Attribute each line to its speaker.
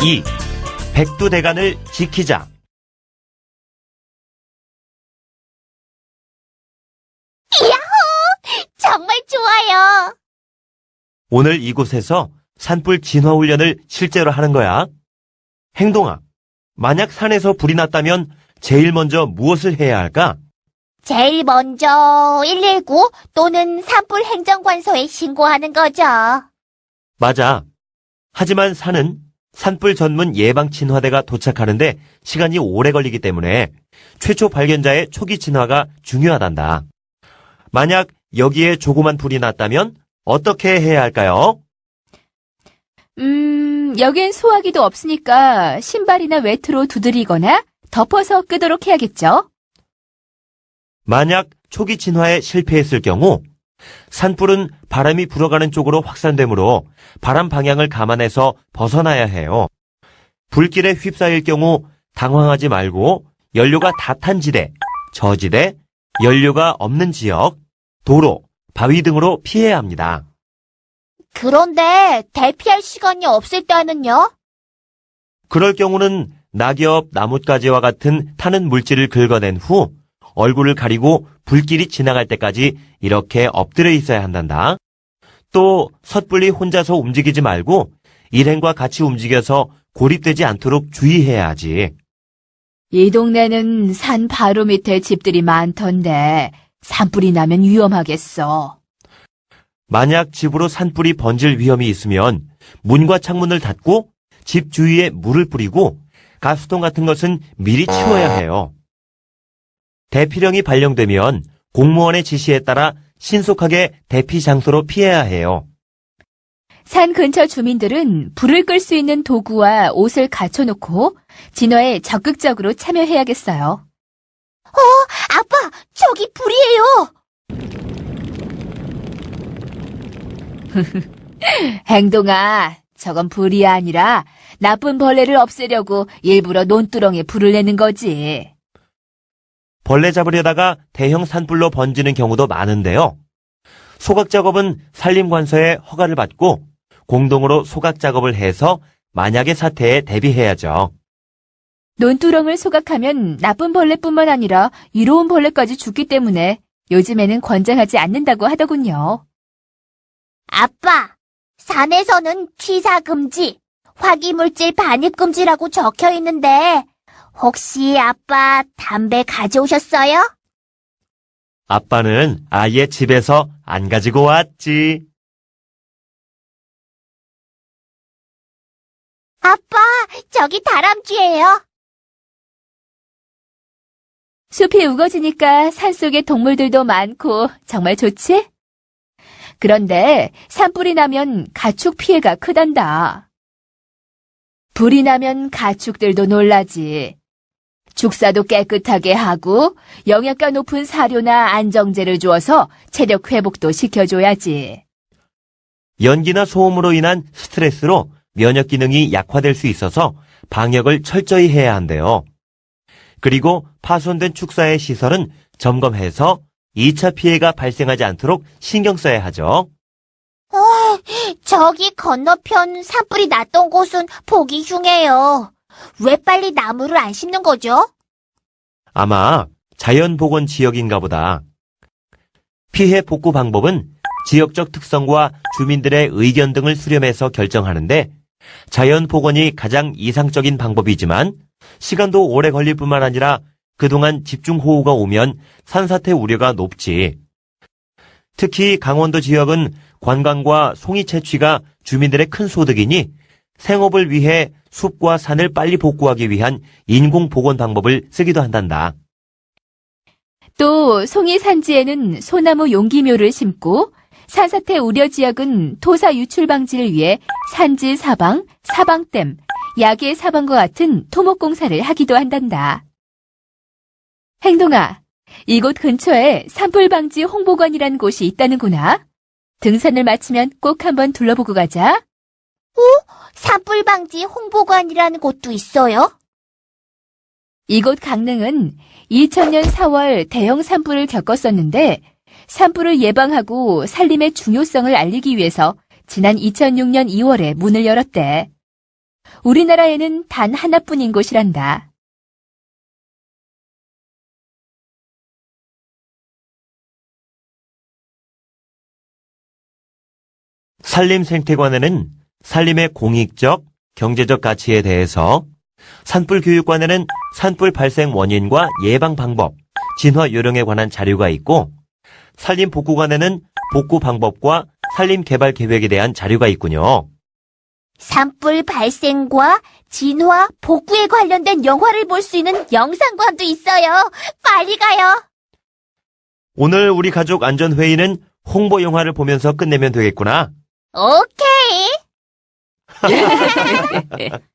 Speaker 1: 2. 백두대간을 지키자.
Speaker 2: 야호! 정말 좋아요.
Speaker 1: 오늘 이곳에서 산불 진화 훈련을 실제로 하는 거야. 행동아, 만약 산에서 불이 났다면 제일 먼저 무엇을 해야 할까?
Speaker 2: 제일 먼저 119 또는 산불 행정관서에 신고하는 거죠.
Speaker 1: 맞아. 하지만 산은 산불 전문 예방 진화대가 도착하는데 시간이 오래 걸리기 때문에 최초 발견자의 초기 진화가 중요하단다. 만약 여기에 조그만 불이 났다면 어떻게 해야 할까요?
Speaker 3: 여긴 소화기도 없으니까 신발이나 외투로 두드리거나 덮어서 끄도록 해야겠죠?
Speaker 1: 만약 초기 진화에 실패했을 경우 산불은 바람이 불어가는 쪽으로 확산되므로 바람 방향을 감안해서 벗어나야 해요. 불길에 휩싸일 경우 당황하지 말고 연료가 다 탄 지대, 저지대, 연료가 없는 지역, 도로, 바위 등으로 피해야 합니다.
Speaker 2: 그런데 대피할 시간이 없을 때는요?
Speaker 1: 그럴 경우는 낙엽, 나뭇가지와 같은 타는 물질을 긁어낸 후 얼굴을 가리고 불길이 지나갈 때까지 이렇게 엎드려 있어야 한단다. 또 섣불리 혼자서 움직이지 말고 일행과 같이 움직여서 고립되지 않도록 주의해야 하지.
Speaker 3: 이 동네는 산 바로 밑에 집들이 많던데 산불이 나면 위험하겠어.
Speaker 1: 만약 집으로 산불이 번질 위험이 있으면 문과 창문을 닫고 집 주위에 물을 뿌리고 가스통 같은 것은 미리 치워야 해요. 대피령이 발령되면 공무원의 지시에 따라 신속하게 대피 장소로 피해야 해요.
Speaker 3: 산 근처 주민들은 불을 끌 수 있는 도구와 옷을 갖춰놓고 진화에 적극적으로 참여해야겠어요.
Speaker 2: 아빠, 저기 불이에요.
Speaker 3: 행동아, 저건 불이 아니라 나쁜 벌레를 없애려고 일부러 논두렁에 불을 내는 거지.
Speaker 1: 벌레 잡으려다가 대형 산불로 번지는 경우도 많은데요. 소각 작업은 산림관서의 허가를 받고 공동으로 소각 작업을 해서 만약의 사태에 대비해야죠.
Speaker 3: 논두렁을 소각하면 나쁜 벌레뿐만 아니라 이로운 벌레까지 죽기 때문에 요즘에는 권장하지 않는다고 하더군요.
Speaker 2: 아빠, 산에서는 취사 금지, 화기물질 반입 금지라고 적혀 있는데 혹시 아빠 담배 가져오셨어요?
Speaker 1: 아빠는 아예 집에서 안 가지고 왔지.
Speaker 2: 아빠, 저기 다람쥐예요.
Speaker 3: 숲이 우거지니까 산속에 동물들도 많고 정말 좋지? 그런데 산불이 나면 가축 피해가 크단다. 불이 나면 가축들도 놀라지. 축사도 깨끗하게 하고 영양가 높은 사료나 안정제를 주어서 체력 회복도 시켜줘야지.
Speaker 1: 연기나 소음으로 인한 스트레스로 면역 기능이 약화될 수 있어서 방역을 철저히 해야 한대요. 그리고 파손된 축사의 시설은 점검해서 2차 피해가 발생하지 않도록 신경 써야 하죠.
Speaker 2: 저기 건너편 산불이 났던 곳은 보기 흉해요. 왜 빨리 나무를 안 심는 거죠?
Speaker 1: 아마 자연복원 지역인가 보다. 피해 복구 방법은 지역적 특성과 주민들의 의견 등을 수렴해서 결정하는데 자연복원이 가장 이상적인 방법이지만 시간도 오래 걸릴 뿐만 아니라 그동안 집중호우가 오면 산사태 우려가 높지. 특히 강원도 지역은 관광과 송이 채취가 주민들의 큰 소득이니 생업을 위해 숲과 산을 빨리 복구하기 위한 인공 복원 방법을 쓰기도 한단다.
Speaker 3: 또 송이 산지에는 소나무 용기묘를 심고 산사태 우려 지역은 토사 유출 방지를 위해 산지 사방, 사방댐, 야계 사방과 같은 토목공사를 하기도 한단다. 행동아, 이곳 근처에 산불방지 홍보관이란 곳이 있다는구나. 등산을 마치면 꼭 한번 둘러보고 가자.
Speaker 2: 산불 방지 홍보관이라는 곳도 있어요?
Speaker 3: 이곳 강릉은 2000년 4월 대형 산불을 겪었었는데 산불을 예방하고 산림의 중요성을 알리기 위해서 지난 2006년 2월에 문을 열었대. 우리나라에는 단 하나뿐인 곳이란다.
Speaker 1: 산림생태관에는 산림의 공익적, 경제적 가치에 대해서, 산불교육관에는 산불 발생 원인과 예방 방법, 진화 요령에 관한 자료가 있고, 산림복구관에는 복구 방법과 산림 개발 계획에 대한 자료가 있군요.
Speaker 2: 산불 발생과 진화, 복구에 관련된 영화를 볼 수 있는 영상관도 있어요. 빨리 가요.
Speaker 1: 오늘 우리 가족 안전회의는 홍보 영화를 보면서 끝내면 되겠구나.
Speaker 2: 오케이.